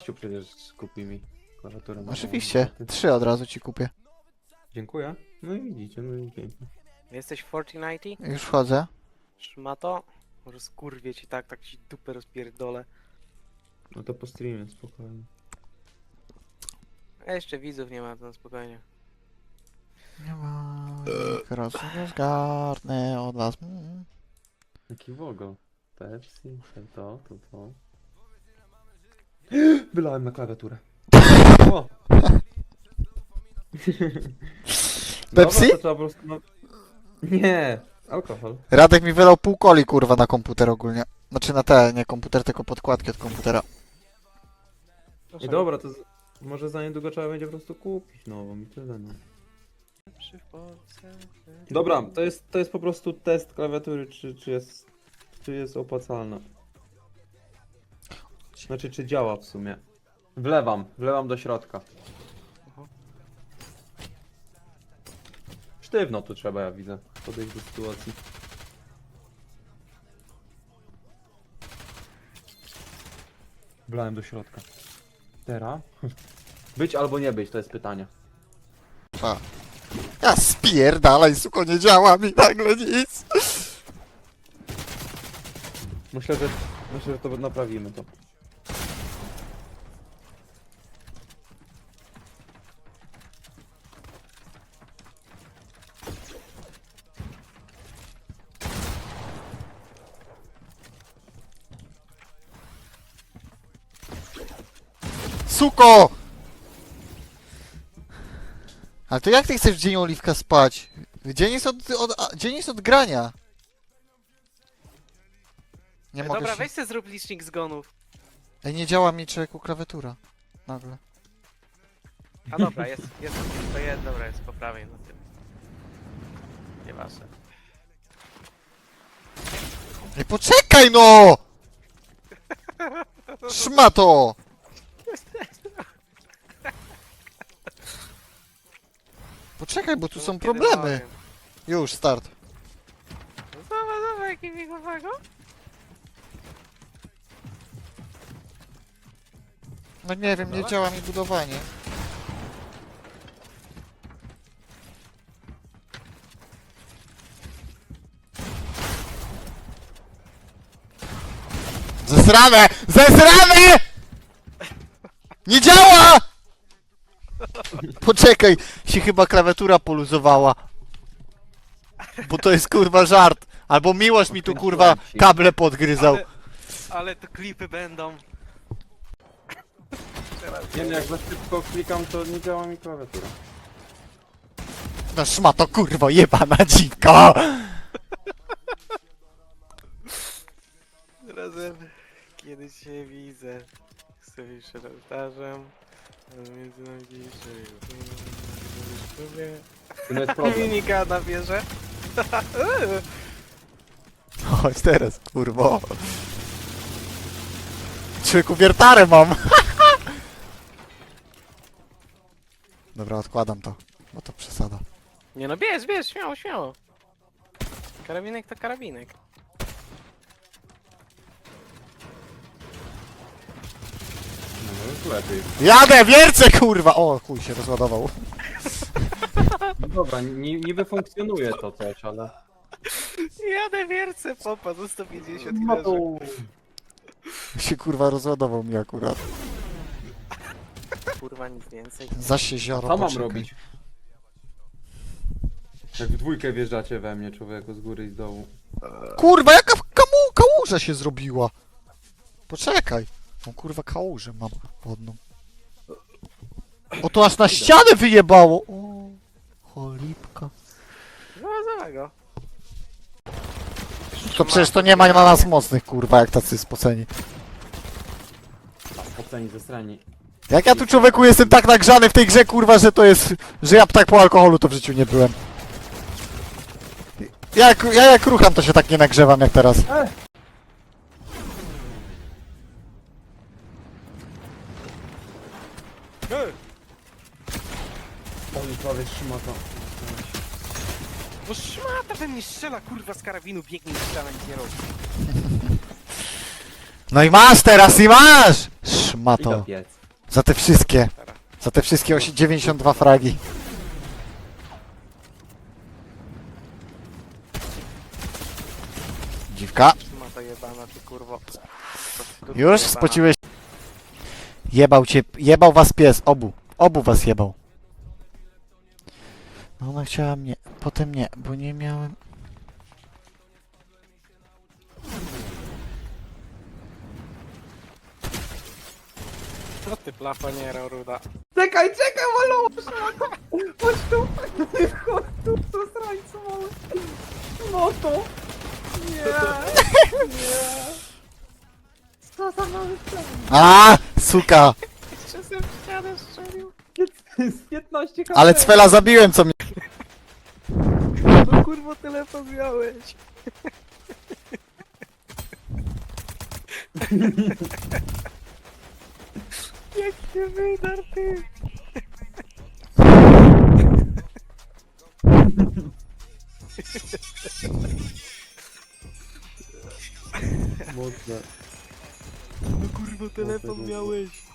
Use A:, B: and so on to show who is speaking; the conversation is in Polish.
A: gościu przecież kupi mi klawiaturę.
B: Oczywiście, 3 od razu ci kupię.
A: Dziękuję. No i widzicie, no i pięknie.
C: Jesteś w Fortnite?
B: Już wchodzę.
C: Szmato? Może skurwię ci tak ci dupę rozpierdolę.
A: No to po streamie, spokojnie.
C: A jeszcze widzów nie ma, to spokojnie.
B: Nie ma, nie zgarnę od was.
A: Jaki wogo? Pepsi, to. Wylałem na klawiaturę. O!
B: Pepsi?
A: Dobra, to trzeba po prostu... No... Nie! Alkohol.
B: Radek mi wylał pół coli, kurwa, na komputer ogólnie. Znaczy na te, nie komputer, tylko podkładki od komputera.
A: I dobra, to może za niedługo trzeba będzie po prostu kupić nową i tyle, no. Dobra, to jest po prostu test klawiatury, czy jest opłacalna. Znaczy, czy działa w sumie. Wlewam do środka. Sztywno tu trzeba, ja widzę, podejść do sytuacji. Wlałem do środka. Teraz? Być albo nie być, to jest pytanie.
B: A. Ja spierdalaj, suko, nie działa mi nagle nic.
A: Myślę, że to naprawimy to.
B: Suko! Ale to jak ty chcesz w dzień Oliwka spać? Dzień jest dzień jest od grania. Nie mogę
C: Dobra,
B: się...
C: weź sobie zrób licznik zgonów.
B: Ej, nie działa mi człowieku klawiatura. Nagle.
C: A dobra, dobra, jest po prawej na tym. Nieważne.
B: Nie poczekaj no! Szmato! Poczekaj, bo tu są problemy. Już, start.
C: Zobacz, jaki migowego.
B: No nie wiem, nie działa mi budowanie. Zesrane! Zesrane! Nie działa! Poczekaj, się chyba klawiatura poluzowała. Bo to jest kurwa żart. Albo Miłosz mi tu kurwa kable podgryzał.
C: Ale to klipy będą.
A: Nie wiem, jak za szybko klikam, to nie działa mi klawiatura.
B: No szmato kurwo jebana dziwko!
C: Razem, kiedy cię widzę, sobie przed ołtarzem, między nami dzisiaj,
A: To nie jest problem.
C: Dominika na wieżę.
B: Chodź teraz, kurwo. Człowieku, wiertarę mam. Dobra, odkładam to, bo to przesada.
C: Nie no, bierz, śmiało. Karabinek to karabinek.
A: No już lepiej.
B: Jadę, wiercę, kurwa! O, chuj się rozładował.
A: No dobra, niby funkcjonuje to też, ale...
C: Jadę wiercę, popa, za 150
A: No to...
B: Się kurwa rozładował mi akurat.
C: Kurwa, nic więcej.
B: Zaś się zioro,
A: Co mam
B: poczekaj.
A: robić? Jak w dwójkę wjeżdżacie we mnie, człowieku, z góry i z dołu.
B: Kurwa, jaka kałuża się zrobiła? Poczekaj. No kurwa, kałużę mam wodną. O, to aż na ścianę wyjebało! O, cholipka.
C: No, załego.
B: To przecież to nie ma na nas mocnych, kurwa, jak tacy spoceni.
A: Oceni ze strani.
B: Jak ja tu człowieku jestem tak nagrzany w tej grze, kurwa, że to jest... Że ja tak po alkoholu to w życiu nie byłem. Ja jak rucham, to się tak nie nagrzewam jak teraz.
A: Oni prawie trzyma to.
C: Bo szmata we mnie strzela, kurwa, z karabinu, biegnie i strzela, nic nie robi.
B: No i masz teraz, i masz!
A: I do
B: Szmato.
A: piec.
B: Za te wszystkie.
C: Teraz.
B: Za te wszystkie 92 fragi. Dziwka.
C: Ma to jebana, ty kurwo.
B: Już spociłeś. Jebał cię, jebał was pies, obu. Obu was jebał. No ona chciała mnie, potem nie, bo nie miałem...
C: Co ty plafoniero ruda?
A: Czekaj, Malusz! Chodź tu! Chodź tu, co srańcu mały! No to! Nie! Nie! Co za mały plan?
B: A, suka!
C: Jeszcze sobie w ścianę strzelił.
A: Z 15 HP!
B: Ale Cwela zabiłem, co mnie...
C: No kurwo telefon miałeś. Jak się wydar ty.
A: Mocne.
C: No kurwo telefon
A: Mocne,
C: miałeś.